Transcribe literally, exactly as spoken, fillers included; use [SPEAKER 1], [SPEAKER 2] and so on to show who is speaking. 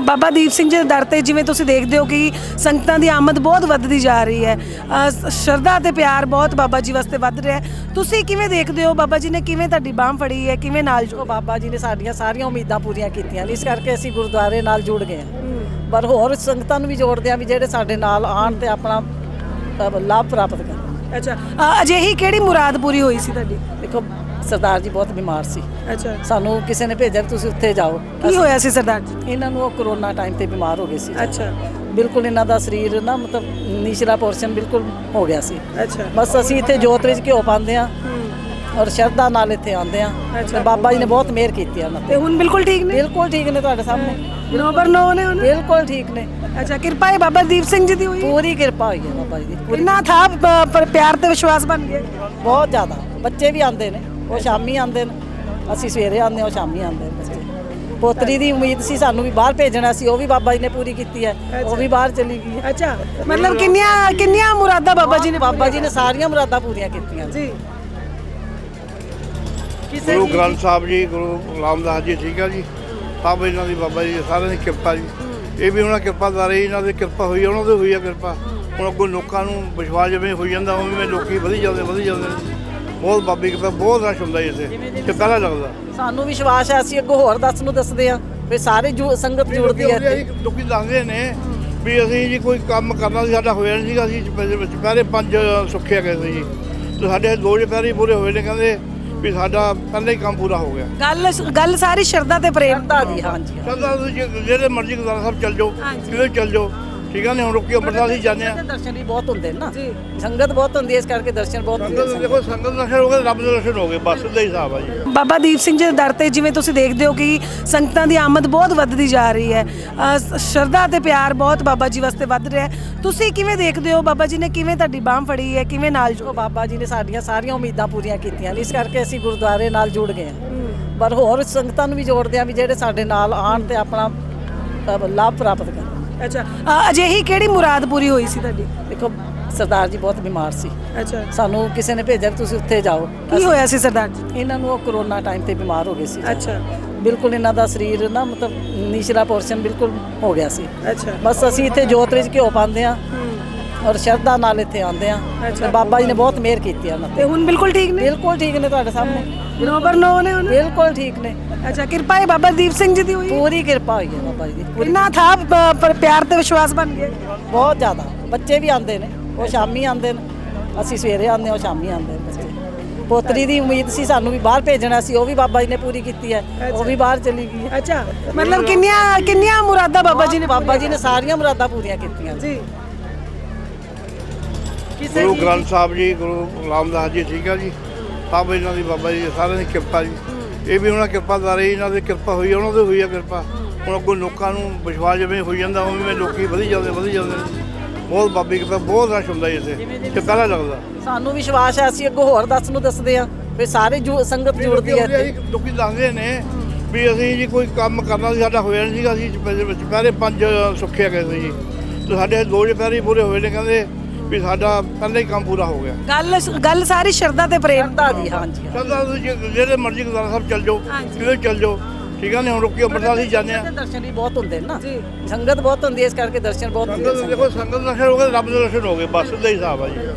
[SPEAKER 1] ਬਾਬਾ ਦੀਪ ਸਿੰਘ ਜੀ ਦੇ ਦਰ ਤੇ ਜਿਵੇਂ ਤੁਸੀਂ ਦੇਖਦੇ ਹੋ ਕਿ ਸੰਗਤਾਂ ਦੀ ਆਮਦ ਬਹੁਤ ਵੱਧਦੀ ਜਾ ਰਹੀ ਹੈ। ਅ, ਸ਼ਰਧਾ ਤੇ ਪਿਆਰ ਬਹੁਤ ਬਾਬਾ ਜੀ ਵਾਸਤੇ ਵੱਧ ਰਿਹਾ ਹੈ। ਤੁਸੀਂ ਕਿਵੇਂ ਦੇਖਦੇ ਹੋ ਬਾਬਾ ਜੀ ਨੇ ਕਿਵੇਂ ਤੁਹਾਡੀ ਬਾਂਹ ਫੜੀ ਹੈ, ਕਿਵੇਂ ਨਾਲ
[SPEAKER 2] ਜੋ ਬਾਬਾ ਜੀ ਨੇ ਸਾਡੀਆਂ ਸਾਰੀਆਂ ਉਮੀਦਾਂ ਪੂਰੀਆਂ ਕੀਤੀਆਂ ਨੇ, ਇਸ ਕਰਕੇ ਅਸੀਂ ਗੁਰਦੁਆਰੇ ਨਾਲ ਜੁੜ ਗਏ ਹਾਂ। ਪਰ ਹੋਰ ਸੰਗਤਾਂ ਨੂੰ ਵੀ ਜੋੜਦੇ ਹਾਂ ਵੀ ਜਿਹੜੇ ਸਾਡੇ ਨਾਲ ਆਉਣ ਤੇ ਆਪਣਾ ਅ, ਲਾਭ ਪ੍ਰਾਪਤ ਕਰਨ।
[SPEAKER 1] ਅੱਛਾ, ਅ, ਅਜਿਹੀ ਕਿਹੜੀ ਮੁਰਾਦ ਪੂਰੀ ਹੋਈ ਸੀ ਤੁਹਾਡੀ?
[SPEAKER 2] ਦੇਖੋ ਸਰਦਾਰ ਜੀ ਬਹੁਤ ਬਿਮਾਰ ਸੀ,
[SPEAKER 1] ਅੱਛਾ,
[SPEAKER 2] ਸਾਨੂੰ ਕਿਸੇ ਨੇ ਭੇਜਿਆ ਵੀ ਤੁਸੀਂ ਉੱਥੇ ਜਾਓ।
[SPEAKER 1] ਕੀ ਹੋਇਆ ਸੀ ਸਰਦਾਰ ਜੀ?
[SPEAKER 2] ਇਹਨਾਂ ਨੂੰ ਉਹ ਕਰੋਨਾ ਟਾਈਮ ਤੇ ਬਿਮਾਰ ਹੋ ਗਏ ਸੀ।
[SPEAKER 1] ਅੱਛਾ
[SPEAKER 2] ਬਿਲਕੁਲ ਇਹਨਾਂ ਦਾ ਸਰੀਰ ਨਾ ਮਤਲਬ ਨੀਚਲਾ ਪੋਰਸ਼ਨ ਬਿਲਕੁਲ ਹੋ ਗਿਆ ਸੀ।
[SPEAKER 1] ਅੱਛਾ,
[SPEAKER 2] ਬਸ ਅਸੀਂ ਇੱਥੇ ਜੋਤ ਵਿੱਚ ਘਿਓ ਪਾਉਂਦੇ ਹਾਂ ਔਰ ਸ਼ਰਧਾ ਨਾਲ ਇੱਥੇ ਆਉਂਦੇ ਹਾਂ ਤੇ ਬਾਬਾ ਜੀ ਨੇ ਬਹੁਤ ਮਿਹਰ ਕੀਤੀ ਉਹਨਾਂ
[SPEAKER 1] ਤੇ
[SPEAKER 2] ਤੇ।
[SPEAKER 1] ਹੁਣ ਬਿਲਕੁਲ ਠੀਕ ਨੇ?
[SPEAKER 2] ਬਿਲਕੁਲ ਠੀਕ ਨੇ, ਤੁਹਾਡੇ ਸਾਹਮਣੇ
[SPEAKER 1] ਨੋਬਰ ਨੋ ਨੇ ਹੁਣ?
[SPEAKER 2] ਬਿਲਕੁਲ ਠੀਕ ਨੇ।
[SPEAKER 1] ਅੱਛਾ, ਕਿਰਪਾ ਹੈ ਬਾਬਾ ਦੀਪ ਸਿੰਘ ਜੀ ਦੀ ਹੋਈ?
[SPEAKER 2] ਪੂਰੀ ਕਿਰਪਾ ਹੋਈ ਹੈ ਬਾਬਾ ਜੀ ਦੀ, ਪੂਰੀ।
[SPEAKER 1] ਕਿੰਨਾ ਥਾ ਪ- ਪਰ ਪਿਆਰ ਤੇ ਵਿਸ਼ਵਾਸ ਬਣ ਗਿਆ?
[SPEAKER 2] ਬਹੁਤ ਜ਼ਿਆਦਾ। ਬੱਚੇ ਵੀ ਆਉਂਦੇ ਨੇ, ਉਹ ਸ਼ਾਮੀ ਆਉਂਦੇ ਨੇ, ਅਸੀਂ ਸਵੇਰੇ ਆਉਂਦੇ ਹਾਂ, ਉਹ ਸ਼ਾਮੀ ਆਉਂਦੇ ਨੇ ਬੱਚੇ। ਪੋਤਰੀ ਦੀ ਉਮੀਦ ਸੀ ਸਾਨੂੰ ਵੀ ਬਾਹਰ ਭੇਜਣਾ ਸੀ, ਉਹ ਵੀ ਬਾਬਾ ਜੀ ਨੇ ਪੂਰੀ ਕੀਤੀ ਹੈ, ਉਹ ਵੀ ਬਾਹਰ ਚਲੀ ਗਈ ਹੈ।
[SPEAKER 1] ਅੱਛਾ, ਮਤਲਬ ਕਿੰਨੀਆਂ ਕਿੰਨੀਆਂ ਮੁਰਾਦਾਂ ਬਾਬਾ ਜੀ ਨੇ
[SPEAKER 2] ਬਾਬਾ ਜੀ ਨੇ ਸਾਰੀਆਂ ਮੁਰਾਦਾਂ ਪੂਰੀਆਂ ਕੀਤੀਆਂ
[SPEAKER 1] ਜੀ।
[SPEAKER 2] ਕਿਸੇ
[SPEAKER 3] ਗੁਰੂ
[SPEAKER 2] ਚੀਜ਼
[SPEAKER 3] ਗ੍ਰੰਥ ਸਾਹਿਬ ਜੀ, ਗੁਰੂ ਰਾਮਦਾਸ ਜੀ, ਠੀਕ ਹੈ ਜੀ, ਸਭ ਇਹਨਾਂ ਦੀ ਬਾਬਾ ਜੀ ਸਾਰਿਆਂ ਦੀ ਕਿਰਪਾ ਜੀ। ਇਹ ਵੀ ਉਹਨਾਂ ਕਿਰਪਾਦਾਰੀ, ਇਹਨਾਂ ਦੀ ਕਿਰਪਾ ਹੋਈ ਹੈ, ਉਹਨਾਂ ਦੀ ਹੋਈ ਹੈ ਕਿਰਪਾ। ਹੁਣ ਅੱਗੋਂ ਲੋਕਾਂ ਨੂੰ ਵਿਸ਼ਵਾਸ ਜਿਵੇਂ ਹੋਈ ਜਾਂਦਾ ਉਵੇਂ ਲੋਕੀ ਵਧੀ ਜਾਂਦੇ ਵਧੀ ਜਾਂਦੇ ਨੇ। ਬਹੁਤ ਬਾਬੀ ਕਿਰਪਾ, ਬਹੁਤ ਰਸ਼ ਹੁੰਦਾ ਜੀ ਇੱਥੇ ਤੇ ਪਹਿਲਾਂ ਲੱਗਦਾ।
[SPEAKER 2] ਸਾਨੂੰ ਵਿਸ਼ਵਾਸ ਹੈ, ਅਸੀਂ ਅੱਗੋਂ ਹੋਰ ਦੱਸ ਨੂੰ ਦੱਸਦੇ ਹਾਂ ਵੀ ਸਾਰੇ ਜੁ- ਸੰਗਤ ਜੁੜਦੀ ਹੈ ਇੱਥੇ।
[SPEAKER 3] ਲੋਕੀ ਦੱਸਦੇ ਨੇ ਵੀ ਅਸੀਂ ਜੀ ਕੋਈ ਕੰਮ ਕਰਨਾ ਸੀ, ਸਾਡਾ ਹੋਇਆ ਨਹੀਂ ਸੀਗਾ, ਅਸੀਂ ਪਹਿਲੇ ਪੰਜ ਸੁੱਖਿਆ ਗਏ ਸੀ ਜੀ, ਤੇ ਸਾਡੇ ਦੋ ਚੁਪਹਿਰੇ ਪੂਰੇ ਹੋਏ ਨੇ, ਕਹਿੰਦੇ ਵੀ ਸਾਡਾ ਪਹਿਲਾਂ ਹੀ ਕੰਮ ਪੂਰਾ ਹੋ ਗਿਆ।
[SPEAKER 1] ਗੱਲ ਗੱਲ ਸਾਰੀ ਸ਼ਰਧਾ ਤੇ ਪ੍ਰੇਮ
[SPEAKER 2] ਸ਼ਰਧਾ ਦੀ, ਹਾਂਜੀ।
[SPEAKER 3] ਕਹਿੰਦਾ ਤੁਸੀਂ ਜਿਹੜੇ ਮਰਜ਼ੀ ਗੁਰਦੁਆਰਾ ਸਾਹਿਬ ਚੱਲ ਜਾਓ, ਕਿਤੇ ਚੱਲ ਜਾਓ, ਠੀਕ ਹੈ ਨੇ। ਹੁਣ ਰੁਕੀ ਅੰਮ੍ਰਿਤਸਰ ਅਸੀਂ ਜਾਂਦੇ ਹਾਂ,
[SPEAKER 2] ਦਰਸ਼ਨ ਵੀ ਬਹੁਤ ਹੁੰਦੇ ਨੇ ਨਾ
[SPEAKER 1] ਜੀ।
[SPEAKER 2] ਸੰਗਤ ਬਹੁਤ ਹੁੰਦੀ ਹੈ, ਇਸ ਕਰਕੇ ਦਰਸ਼ਨ ਬਹੁਤ ਹੁੰਦੇ
[SPEAKER 3] ਸੰਗਤ
[SPEAKER 2] ਨੇ।
[SPEAKER 3] ਦੇਖੋ, ਸੰਗਤ ਦੇ ਦਰਸ਼ਨ ਹੋ ਗਏ, ਰੱਬ ਦੇ ਦਰਸ਼ਨ ਹੋ ਗਏ, ਬਸ ਸਿੱਧਾ ਹੀ ਹਿਸਾਬ ਆ ਜੀ।
[SPEAKER 1] ਬਾਬਾ ਦੀਪ ਸਿੰਘ ਜੀ ਦੇ ਦਰ ਤੇ ਜਿਵੇਂ ਤੁਸੀਂ ਦੇਖਦੇ ਹੋ ਕਿ ਸੰਗਤਾਂ ਦੀ ਆਮਦ ਬਹੁਤ ਵੱਧਦੀ ਜਾ ਰਹੀ ਹੈ। ਅ, ਸ਼ਰਧਾ ਤੇ ਪਿਆਰ ਬਹੁਤ ਬਾਬਾ ਜੀ ਵਾਸਤੇ ਵੱਧ ਰਿਹਾ ਹੈ। ਤੁਸੀਂ ਕਿਵੇਂ ਦੇਖਦੇ ਹੋ ਬਾਬਾ ਜੀ ਨੇ ਕਿਵੇਂ ਤੁਹਾਡੀ ਬਾਂਹ ਫੜੀ ਹੈ, ਕਿਵੇਂ ਨਾਲ
[SPEAKER 2] ਜੋ ਬਾਬਾ ਜੀ ਨੇ ਸਾਡੀਆਂ ਸਾਰੀਆਂ ਉਮੀਦਾਂ ਪੂਰੀਆਂ ਕੀਤੀਆਂ ਨੇ, ਇਸ ਕਰਕੇ ਅਸੀਂ ਗੁਰਦੁਆਰੇ ਨਾਲ ਜੁੜ ਗਏ ਹਾਂ। ਪਰ ਹੋਰ ਸੰਗਤਾਂ ਨੂੰ ਵੀ ਜੋੜਦੇ ਹਾਂ ਵੀ ਜਿਹੜੇ ਸਾਡੇ ਨਾਲ ਆਉਣ ਤੇ ਆਪਣਾ ਅ, ਲਾਭ ਪ੍ਰਾਪਤ ਕਰਨ।
[SPEAKER 1] ਅੱਛਾ, ਅ, ਅਜਿਹੀ ਕਿਹੜੀ ਮੁਰਾਦ ਪੂਰੀ ਹੋਈ ਸੀ ਤੁਹਾਡੀ?
[SPEAKER 2] ਦੇਖੋ ਸਰਦਾਰ ਜੀ ਬਹੁਤ ਬਿਮਾਰ ਸੀ,
[SPEAKER 1] ਅੱਛਾ,
[SPEAKER 2] ਸਾਨੂੰ ਕਿਸੇ ਨੇ ਭੇਜਿਆ ਵੀ ਤੁਸੀਂ ਉੱਥੇ ਜਾਓ।
[SPEAKER 1] ਕੀ ਹੋਇਆ ਸੀ ਸਰਦਾਰ ਜੀ?
[SPEAKER 2] ਇਹਨਾਂ ਨੂੰ ਉਹ ਕਰੋਨਾ ਟਾਈਮ ਤੇ ਬਿਮਾਰ ਹੋ ਗਏ ਸੀ।
[SPEAKER 1] ਅੱਛਾ,
[SPEAKER 2] ਬਿਲਕੁਲ ਇਹਨਾਂ ਦਾ ਸਰੀਰ ਨਾ ਮਤਲਬ ਨੀਚਲਾ ਪੋਰਸ਼ਨ ਬਿਲਕੁਲ ਹੋ ਗਿਆ ਸੀ।
[SPEAKER 1] ਅੱਛਾ,
[SPEAKER 2] ਬਸ ਅਸੀਂ ਇੱਥੇ ਜੋਤ ਵਿੱਚ ਘਿਓ ਪਾਉਂਦੇ ਹਾਂ ਔਰ ਸ਼ਰਧਾ ਨਾਲ ਇੱਥੇ ਆਉਂਦੇ ਹਾਂ ਤੇ ਬਾਬਾ ਜੀ ਨੇ ਬਹੁਤ ਮਿਹਰ ਕੀਤੀ ਉਹਨਾਂ
[SPEAKER 1] ਤੇ
[SPEAKER 2] ਤੇ।
[SPEAKER 1] ਹੁਣ ਬਿਲਕੁਲ ਠੀਕ ਨੇ?
[SPEAKER 2] ਬਿਲਕੁਲ ਠੀਕ ਨੇ, ਤੁਹਾਡੇ ਸਾਹਮਣੇ
[SPEAKER 1] ਨੋਬਰ ਨੋ ਨੇ ਹੁਣ?
[SPEAKER 2] ਬਿਲਕੁਲ ਠੀਕ ਨੇ।
[SPEAKER 1] ਅੱਛਾ, ਕਿਰਪਾ ਹੈ ਬਾਬਾ ਦੀਪ ਸਿੰਘ ਜੀ ਦੀ ਹੋਈ?
[SPEAKER 2] ਪੂਰੀ ਕਿਰਪਾ ਹੋਈ ਹੈ ਬਾਬਾ ਜੀ ਦੀ, ਪੂਰੀ।
[SPEAKER 1] ਕਿੰਨਾ ਥਾ ਪ- ਪਰ ਪਿਆਰ ਤੇ ਵਿਸ਼ਵਾਸ ਬਣ ਗਿਆ?
[SPEAKER 2] ਬਹੁਤ ਜ਼ਿਆਦਾ। ਬੱਚੇ ਵੀ ਆਉਂਦੇ ਨੇ, ਉਹ ਸ਼ਾਮੀ ਆਉਂਦੇ ਨੇ, ਅਸੀਂ ਸਵੇਰੇ ਆਉਂਦੇ ਹਾਂ, ਉਹ ਸ਼ਾਮੀ ਆਉਂਦੇ ਨੇ ਬੱਚੇ। ਪੋਤਰੀ ਦੀ ਉਮੀਦ ਸੀ ਸਾਨੂੰ ਵੀ ਬਾਹਰ ਭੇਜਣਾ ਸੀ, ਉਹ ਵੀ ਬਾਬਾ ਜੀ ਨੇ ਪੂਰੀ ਕੀਤੀ ਹੈ, ਉਹ ਵੀ ਬਾਹਰ ਚਲੀ ਗਈ ਹੈ।
[SPEAKER 1] ਅੱਛਾ, ਮਤਲਬ ਕਿੰਨੀਆਂ ਕਿੰਨੀਆਂ ਮੁਰਾਦਾਂ ਬਾਬਾ ਜੀ ਨੇ
[SPEAKER 2] ਬਾਬਾ ਜੀ ਨੇ ਸਾਰੀਆਂ ਮੁਰਾਦਾਂ ਪੂਰੀਆਂ ਕੀਤੀਆਂ ਨੇ।
[SPEAKER 1] ਜੀ।
[SPEAKER 2] ਕਿਸੇ
[SPEAKER 3] ਗੁਰੂ
[SPEAKER 2] ਚੀਜ਼
[SPEAKER 3] ਗ੍ਰੰਥ ਸਾਹਿਬ ਜੀ, ਗੁਰੂ ਰਾਮਦਾਸ ਜੀ, ਠੀਕ ਹੈ ਜੀ, ਸਭ ਇਹਨਾਂ ਦੀ ਬਾਬਾ ਜੀ ਸਾਰਿਆਂ ਦੀ ਕਿਰਪਾ ਜੀ। ਇਹ ਵੀ ਉਹਨਾਂ ਕਿਰਪਾਦਾਰੀ, ਇਹਨਾਂ ਦੀ ਕਿਰਪਾ ਹੋਈ ਹੈ, ਉਹਨਾਂ ਦੀ ਹੋਈ ਹੈ ਕਿਰਪਾ। ਹੁਣ ਅੱਗੋਂ ਲੋਕਾਂ ਨੂੰ ਵਿਸ਼ਵਾਸ ਜਿਵੇਂ ਹੋਈ ਜਾਂਦਾ ਉਵੇਂ ਲੋਕੀ ਵਧੀ ਜਾਂਦੇ ਵਧੀ ਜਾਂਦੇ ਨੇ। ਬਹੁਤ ਬਾਬੀ ਕਿਰਪਾ, ਬਹੁਤ ਰਸ਼ ਹੁੰਦਾ ਜੀ ਇੱਥੇ ਤੇ ਪਹਿਲਾਂ ਲੱਗਦਾ।
[SPEAKER 2] ਸਾਨੂੰ ਵਿਸ਼ਵਾਸ ਹੈ, ਅਸੀਂ ਅੱਗੋਂ ਹੋਰ ਦੱਸ ਨੂੰ ਦੱਸਦੇ ਹਾਂ ਵੀ ਸਾਰੇ ਜੁ- ਸੰਗਤ ਜੁੜਦੀ ਹੈ ਇੱਥੇ।
[SPEAKER 3] ਲੋਕੀ ਦੱਸਦੇ ਨੇ ਵੀ ਅਸੀਂ ਜੀ ਕੋਈ ਕੰਮ ਕਰਨਾ ਸੀ, ਸਾਡਾ ਹੋਇਆ ਨਹੀਂ ਸੀਗਾ, ਅਸੀਂ ਪਹਿਲੇ ਪੰਜ ਸੁੱਖਿਆ ਗਏ ਸੀ ਜੀ, ਤੇ ਸਾਡੇ ਦੋ ਚੁਪਹਿਰੇ ਪੂਰੇ ਹੋਏ ਨੇ, ਕਹਿੰਦੇ ਵੀ ਸਾਡਾ ਪਹਿਲਾਂ ਹੀ ਕੰਮ ਪੂਰਾ ਹੋ ਗਿਆ।
[SPEAKER 1] ਗੱਲ ਗੱਲ ਸਾਰੀ ਸ਼ਰਧਾ ਤੇ ਪ੍ਰੇਮ
[SPEAKER 2] ਸ਼ਰਧਾ ਦੀ, ਹਾਂਜੀ।
[SPEAKER 3] ਕਹਿੰਦਾ ਤੁਸੀਂ ਜਿਹੜੇ ਮਰਜ਼ੀ ਗੁਰਦੁਆਰਾ ਸਾਹਿਬ ਚੱਲ ਜਾਓ, ਕਿਤੇ ਚੱਲ ਜਾਓ, ਠੀਕ ਹੈ ਨੇ। ਹੁਣ ਰੁਕੀ ਅੰਮ੍ਰਿਤਸਰ ਅਸੀਂ ਜਾਂਦੇ ਹਾਂ,
[SPEAKER 2] ਦਰਸ਼ਨ ਵੀ ਬਹੁਤ ਹੁੰਦੇ ਨੇ ਨਾ
[SPEAKER 1] ਜੀ।
[SPEAKER 2] ਸੰਗਤ ਬਹੁਤ ਹੁੰਦੀ ਹੈ, ਇਸ ਕਰਕੇ ਦਰਸ਼ਨ ਬਹੁਤ ਹੁੰਦੇ
[SPEAKER 3] ਸੰਗਤ
[SPEAKER 2] ਨੇ।
[SPEAKER 3] ਦੇਖੋ, ਸੰਗਤ ਦੇ ਦਰਸ਼ਨ ਹੋ ਗਏ, ਰੱਬ ਦੇ ਦਰਸ਼ਨ ਹੋ ਗਏ, ਬਸ ਸਿੱਧਾ ਹੀ ਹਿਸਾਬ ਆ ਜੀ।